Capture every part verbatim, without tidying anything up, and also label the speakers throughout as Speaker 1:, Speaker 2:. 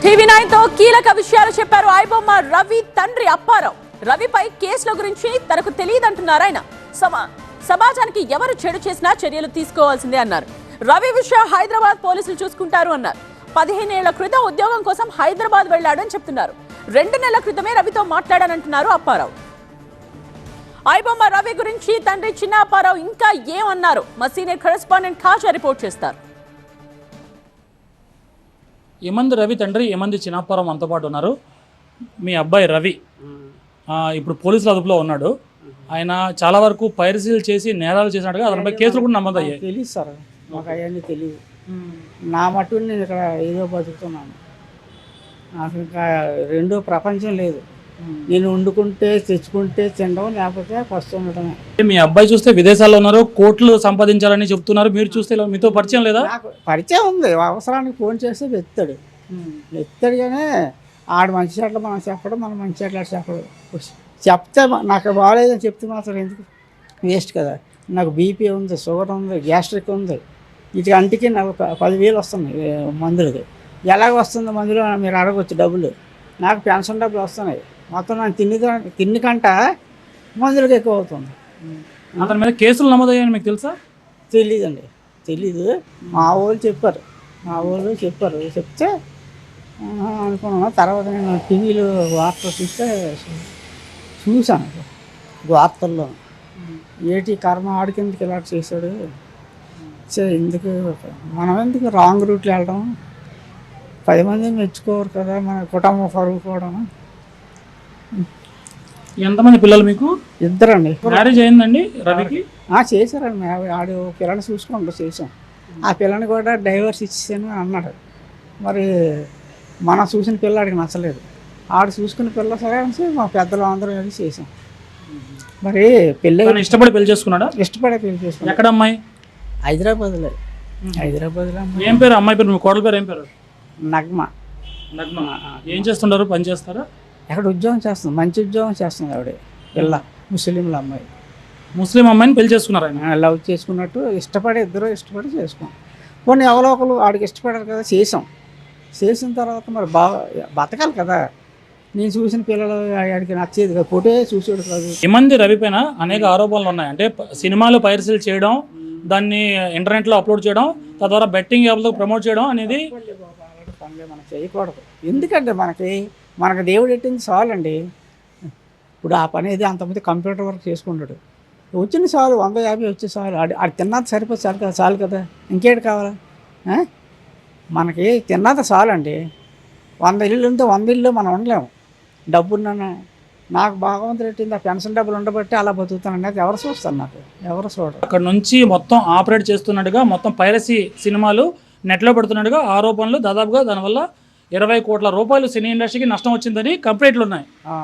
Speaker 1: TV nine తో కీలక విషయాలు చెప్పారు ఐబొమ్మ రవి తండ్రి అప్పారావు. రవిపై కేసుల గురించి తనకు తెలియదంటున్నారు ఆయన. సమాజానికి ఎవరు చెడు చేసినా చర్యలు తీసుకోవాల్సిందే అన్నారు. రవి విషయం హైదరాబాద్ పోలీసులు చూసుకుంటారు అన్నారు. పదిహేనేళ్ల క్రితం ఉద్యోగం కోసం హైదరాబాద్ వెళ్లాడని చెప్తున్నారు. రెండు నెలల క్రితమే రవితో మాట్లాడానంటున్నారు అప్పారావు. ఐబొమ్మ రవి గురించి తండ్రి చిన్న అప్పారావు ఇంకా ఏమన్నారు? మా సీనియర్ కరెస్పాండెంట్ ఖాజా రిపోర్ట్ చేస్తారు.
Speaker 2: ఏమంది రవి తండ్రి ఏమంది చిన్నప్పారావు మనతో పాటు ఉన్నారు. మీ అబ్బాయి రవి ఇప్పుడు పోలీసుల అదుపులో ఉన్నాడు. ఆయన చాలా వరకు పైరసీలు చేసి నేరాలు చేసినట్టుగా అతనిపై కేసులు కూడా నమోదయ్యాయి.
Speaker 3: తెలియదు సార్, మాకు అవన్నీ తెలియదు. నా మటు నేను ఇక్కడ ఏదో బతుకుతున్నాను. నాకు ఇంకా రెండో ప్రపంచం లేదు. నేను వండుకుంటే తెచ్చుకుంటే తినడం, లేకపోతే ఫస్ట్ ఉండటమే.
Speaker 2: మీ అబ్బాయి చూస్తే విదేశాల్లో ఉన్నారు, కోట్లు సంపాదించాలని చెప్తున్నారు. మీరు చూస్తే మీతో పరిచయం లేదా?
Speaker 3: నాకు పరిచయం ఉంది. అవసరానికి ఫోన్ చేస్తే వెత్తాడు వెత్తాడు కానీ ఆడు మంచి చెట్లు మనం చెప్పడం, మనం మంచి చెట్లు చెప్పడం. చెప్తే నాకు బాగాలేదని చెప్తే మాత్రం ఎందుకు వేస్ట్ కదా. నాకు బీపీ ఉంది, షుగర్ ఉంది, గ్యాస్ట్రిక్ ఉంది. వీటి అంటికి నాకు పదివేలు వస్తుంది మందులకి. ఎలాగ వస్తుంది మందులు మీరు అడగవచ్చు డబ్బులు. నాకు పెన్షన్ డబ్బులు వస్తున్నాయి. మొత్తం నాకు తిన్ని తిన్ని కంట మందులకు ఎక్కువ అవుతుంది.
Speaker 2: అతని మీద కేసులు నమోదయ్యాయని మీకు తెలుసా?
Speaker 3: తెలీదండి, తెలీదు. మా వాళ్ళు చెప్పారు మా వాళ్ళు చెప్పారు చెప్తే అనుకున్నాను. తర్వాత నేను టీవీలో వార్తలు చూస్తే చూశాను. వార్తల్లో ఏటి కర్మ ఆడికిందుకు ఇలా చేశాడు, ఎందుకు మనం ఎందుకు రాంగ్ రూట్లో వెళ్ళడం, పది మంది మెచ్చుకోరు కదా, మన కుటుంబం పరుగుకోవడం.
Speaker 2: ఎంతమంది పిల్లలు మీకు?
Speaker 3: ఇద్దరండి.
Speaker 2: మ్యారేజ్ అయిందండి రవికి?
Speaker 3: చేశారండి. ఆడు పిల్లని చూసుకుంటూ చేసాం. ఆ పిల్లని కూడా డైవర్స్ ఇచ్చేసాను అన్నాడు. మరి మనం చూసిన పిల్లాడికి నచ్చలేదు. ఆడు చూసుకున్న పిల్ల సరే అని మా పెద్దలు అందరూ కలిసి చేసాం. మరి పెళ్ళి
Speaker 2: ఇష్టపడి పెళ్లి చేసుకున్నాడా?
Speaker 3: ఇష్టపడే పెళ్లి చేసుకున్నాడు.
Speaker 2: ఎక్కడ అమ్మాయి?
Speaker 3: హైదరాబాద్లో. హైదరాబాద్లో.
Speaker 2: ఏం పేరు అమ్మాయి పేరు? మీ కోడల పేరు ఏం పేరు?
Speaker 3: నగ్మ.
Speaker 2: నగ్మ. ఏం చేస్తుంటారు? పని చేస్తారా?
Speaker 3: ఎక్కడ ఉద్యోగం చేస్తుంది, మంచి ఉద్యోగం చేస్తుంది ఆవిడ. పిల్ల ముస్లింల అమ్మాయి.
Speaker 2: ముస్లిం అమ్మాయిని పెళ్లి చేసుకున్నారు ఆయన?
Speaker 3: లవ్ చేసుకున్నట్టు ఇష్టపడి ఇద్దరు ఇష్టపడి చేసుకున్నాం. కొన్ని ఎవరో ఒకరు ఆడికి ఇష్టపడారు కదా, చేసాం. చేసిన తర్వాత మరి బాగా బతకాలి కదా. నేను చూసిన పిల్లలు ఆడికి నచ్చేది కదా, ఫోటో చూసేది కాదు.
Speaker 2: ఏమంది రవి పైన అనేక ఆరోపణలు ఉన్నాయి. అంటే సినిమాలు పైరసీలు చేయడం, దాన్ని ఇంటర్నెట్లో అప్లోడ్ చేయడం, తద్వారా బెట్టింగ్ యాప్లకు ప్రమోట్ చేయడం అనేది
Speaker 3: పనులే మనం చేయకూడదు. ఎందుకంటే మనకి మనకు దేవుడు ఎట్టింది చాలండి. ఇప్పుడు ఆ పని ఏది అంతమంది కంప్యూటర్ వర్క్ చేసుకుంటాడు. వచ్చిన చాలు, వంద యాభై వచ్చే చాలు. ఆడి ఆడి తిన్నది సరిపోతే చాలు కదా, చాలు కదా, ఇంకేటి కావాలా? మనకి తిన్నది చాలండి. వంద ఇల్లు ఉంటే వంద ఇల్లు మనం ఉండలేము. డబ్బున్నా నాకు భగవంతుడు పెట్టింది ఆ పెన్షన్ డబ్బులు ఉండబట్టి అలా బతుకుతానండి. అది ఎవరు చూస్తారు? నాకు ఎవరు చూడరు.
Speaker 2: అక్కడ నుంచి మొత్తం ఆపరేట్ చేస్తున్నట్టుగా, మొత్తం పైరసీ సినిమాలు నెట్లో పెడుతున్నట్టుగా ఆరోపణలు. దాదాపుగా దానివల్ల ఇరవై కోట్ల రూపాయలు సినీ ఇండస్ట్రీకి నష్టం వచ్చిందని కంప్లైంట్లు ఉన్నాయి.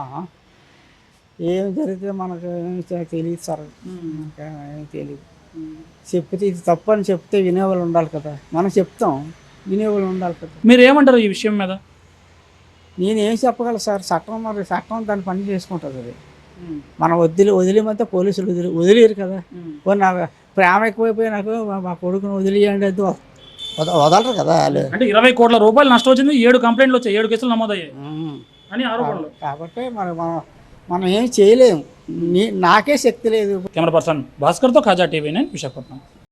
Speaker 3: ఏం జరిగితే మనకు ఏమి తెలియదు సార్. ఏమి తెలియదు. చెప్తే ఇది తప్పు అని చెప్తే వినేవాళ్ళు ఉండాలి కదా. మనం చెప్తాం, వినేవాళ్ళు ఉండాలి కదా.
Speaker 2: మీరు ఏమంటారు ఈ విషయం మీద?
Speaker 3: నేనేం చెప్పగలను సార్? చట్టం మరి చట్టం దాన్ని పని చేసుకుంటుంది. అది మనం వదిలి వదిలేమంటే పోలీసులు వదిలి వదిలేరు కదా. నాకు ప్రేమ ఎక్కువైపోయి నాకు మా కొడుకుని వదిలేయండి అది వదలరు కదా వాళ్ళు.
Speaker 2: అంటే ఇరవై కోట్ల రూపాయలు నష్టం వచ్చింది, ఏడు కంప్లైంట్లు వచ్చాయి, ఏడు కేసులు నమోదయ్యాయి అని ఆరోపణలు.
Speaker 3: కాబట్టి మరి మనం మనం ఏం చేయలేము. నాకే శక్తి లేదు.
Speaker 2: కెమెరా పర్సన్ భాస్కర్తో ఖాజా టీవీ నైన్ విశాఖపట్నం.